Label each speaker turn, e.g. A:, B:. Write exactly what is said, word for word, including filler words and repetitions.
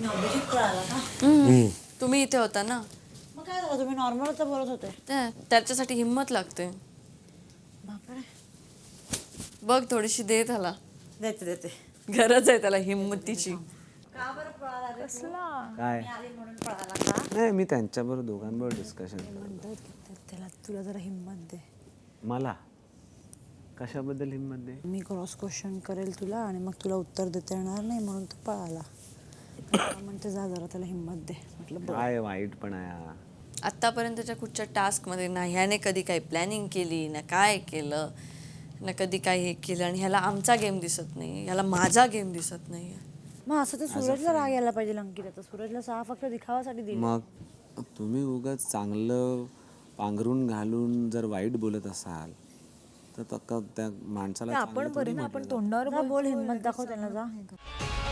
A: अभिजित पळाला का?
B: हम्म. तुम्ही इथे होता ना.
A: मग काय झालं, तुम्ही नॉर्मलच तर बोलत होते.
B: त्या- त्याच्यासाठी हिंमत लागते.
A: बापरे.
B: बघ थोडीशी दे त्याला,
A: देते देते.
B: गरज आहे त्याला हिंमतीची.
A: का बरं पळाला रे तू?
C: कसला
D: काय
A: मी आली म्हणून पळाला का?
D: नाही, मी त्यांच्याबरोबर दोघांबरोबर डिस्कशन
A: म्हणतात की त्याला तुला जरा हिंमत दे.
D: मला कशाबद्दल हिंमत दे?
A: मी क्रॉस क्वेश्चन करेल तुला आणि मग तुला उत्तर देता येणार नाही म्हणून तू पळाला. म्हणते जा जरा त्याला हिंमत दे. म्हटलं बरं.
D: काय वाईट पण आहे.
B: आत्तापर्यंतच्या कुठच्या टास्कमध्ये ना ह्याने कधी काही प्लॅनिंग केली ना काय केलं ना कधी काही हे केलं, आणि ह्याला आमचा गेम दिसत नाही, ह्याला माझा गेम दिसत नाही.
A: मग असं तर सूरजला राग यायला पाहिजे अंकिता. सूरजला सहा फक्त दिखावासाठी दिली.
D: मग तुम्ही उगाच चांगलं पांघरून घालून जर वाईट बोलत असाल तर तक्क त्या माणसाला
C: आपण बरे ना, आपण तोंडावर
A: जा बोल, हिंमत दाखव त्यांना जा.